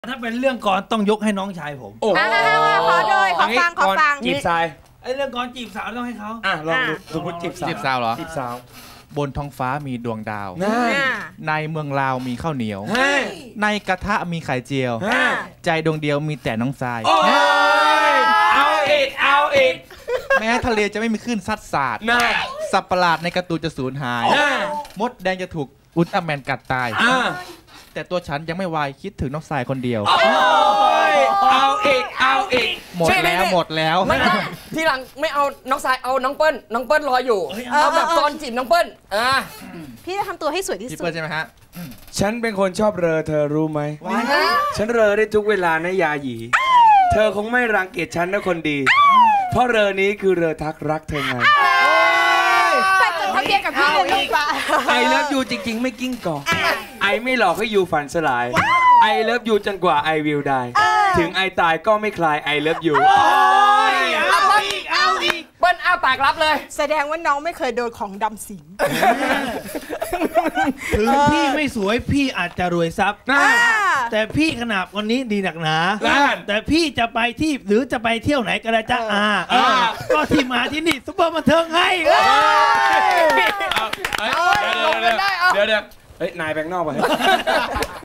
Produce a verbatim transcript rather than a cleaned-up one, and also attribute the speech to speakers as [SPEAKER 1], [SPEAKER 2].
[SPEAKER 1] ถ้าเป็นเรื่องก่อนต้องยกให้น้องชายผม
[SPEAKER 2] โอ้โห
[SPEAKER 3] ขอโดยขอฟังขอฟัง
[SPEAKER 2] จีบสาย
[SPEAKER 1] ไอ้เรื่องก่อนจีบสาวต้องให้เขา
[SPEAKER 2] อ่ะลองดูสมมติจีบสาว
[SPEAKER 4] จีบสาวเหรอ
[SPEAKER 2] จีบสาว
[SPEAKER 4] บนท้องฟ้ามีดวงดาวในเมืองลาวมีข้าวเหนียวในกระทะมีไข่เจียวใจดวงเดียวมีแต่น้องทราย
[SPEAKER 2] เอาอีกเอาอีก
[SPEAKER 4] แม้ทะเลจะไม่มีคลื่นซัดสาดสัตว์ประหลาดในการ์ตูนจะสูญหายมดแดงจะถูกอุลตร้าแมนกัดตายแต่ตัวฉันยังไม่วายคิดถึงน้องทรายคนเดียว
[SPEAKER 2] เอาอีกเอาอีก
[SPEAKER 4] หมดแล้วหมดแล้ว
[SPEAKER 5] ไม่ต้องทีหลังไม่เอาน้องทรายเอาน้องเปิ้ลน้องเปิ้ลรออยู่เอาแบบตอนจีบน้องเปิ้ลอ่า
[SPEAKER 3] พี่จะทำตัวให้สวยที่สุด
[SPEAKER 4] พี่เปิ้ลใช่ไหมฮะ
[SPEAKER 2] ฉันเป็นคนชอบเรอเธอรู้ไหมฉันเรอได้ทุกเวลานะยาหยีเธอคงไม่รังเกียจฉันนะคนดีเพราะเรอนี้คือเรอทักรักเธอไง
[SPEAKER 3] ไปจดทะเบียนกับพี่เลยลูกละ
[SPEAKER 2] ไอเลิฟยูจริงๆไม่กิ้งก่อไอไม่หลอกให้ยูฝันสลายไอเลิฟยูจนกว่าไอวิวได้ถึงไอตายก็ไม่คลายไอเลิฟยู
[SPEAKER 5] เอาอีกเอาอีกเปิ้ลอ้าปากรับเลย
[SPEAKER 3] แสดงว่าน้องไม่เคยโดนของดำสิง
[SPEAKER 1] ถึงพี่ไม่สวยพี่อาจจะรวยทรัพย์แต่พี่ขนาดวันนี้ดีหนักหนาแต่พี่จะไปที่หรือจะไปเที่ยวไหนก็ได้จ้าอาก็ที่มาที่นี่ซุปเปอร์บันเทิงให้
[SPEAKER 2] เดี๋ยวเดี๋ยวเฮ้ยนายแบงค์นอกไป